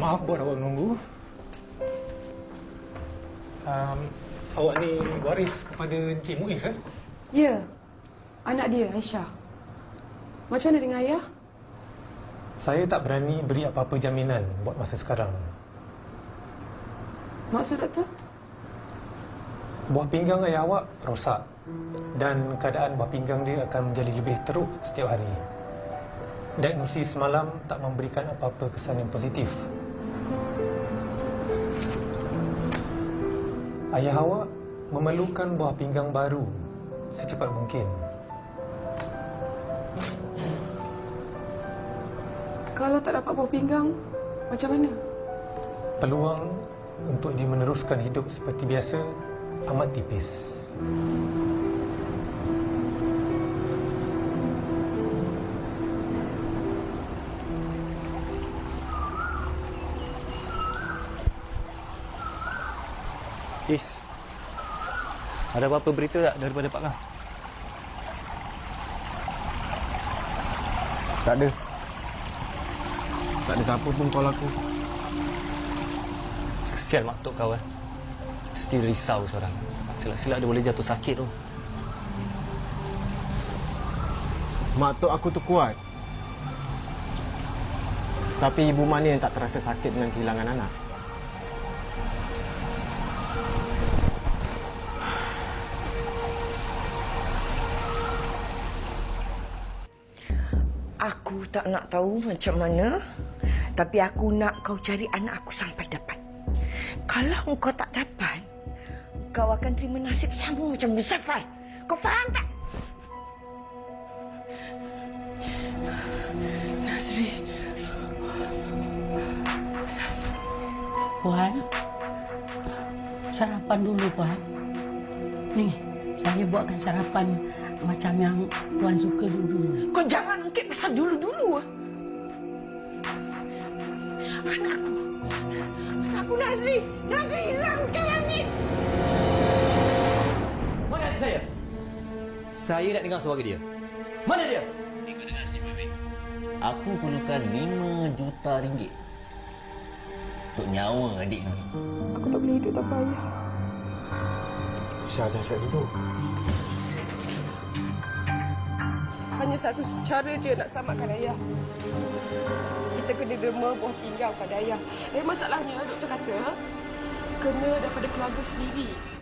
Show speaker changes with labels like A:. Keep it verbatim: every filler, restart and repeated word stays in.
A: Maaf buat awak menunggu. Um, awak ni waris kepada Encik Muiz kan?
B: Ya, anak dia, Aisyah. Macam mana dengan ayah?
A: Saya tak berani beri apa-apa jaminan buat masa sekarang.
B: Maksud doktor?
A: Buah pinggang ayah awak rosak dan keadaan buah pinggang dia akan menjadi lebih teruk setiap hari. Diagnosis semalam tak memberikan apa-apa kesan yang positif. Ayah awak memerlukan buah pinggang baru secepat mungkin.
B: Kalau tak dapat buah pinggang, macam mana?
A: Peluang untuk dia meneruskan hidup seperti biasa amat tipis.
C: Is, ada apa-apa berita tak daripada Pak Kang?
D: Tak ada. Tak ada siapa pun call aku.
C: Kesian mak tok kau eh. Mesti risau sekarang. Silap-silap dia boleh jatuh sakit tu.
D: Mak tok aku tu kuat. Tapi ibu mana yang tak terasa sakit dengan kehilangan anak?
E: Aku tak nak tahu macam mana, tapi aku nak kau cari anak aku sampai dapat. Kalau kau tak dapat, kau akan terima nasib sama macam Muzaffar. Kau faham tak? Nazri.
F: Puan, sarapan dulu, Puan. Ni, saya buatkan sarapan macam yang Puan suka dulu.
E: Kau jangan ungkit pasal dulu-dulu. Anakku. Anakku Nazri. Nazri hilang ke langit.
G: Mana adik saya? Saya nak dengar suara dia. Mana dia?
H: Ikut dengar sini, baik-baik.
G: Aku perlukan lima juta ringgit untuk nyawa adik kami.
B: Aku tak boleh hidup tanpa ayah.
D: Syah jangan cakap gitu.
B: Hanya satu cara je nak selamatkan ayah. Kita kena derma buah pinggang pada ayah. Eh, masalahnya doktor kata kena daripada keluarga sendiri.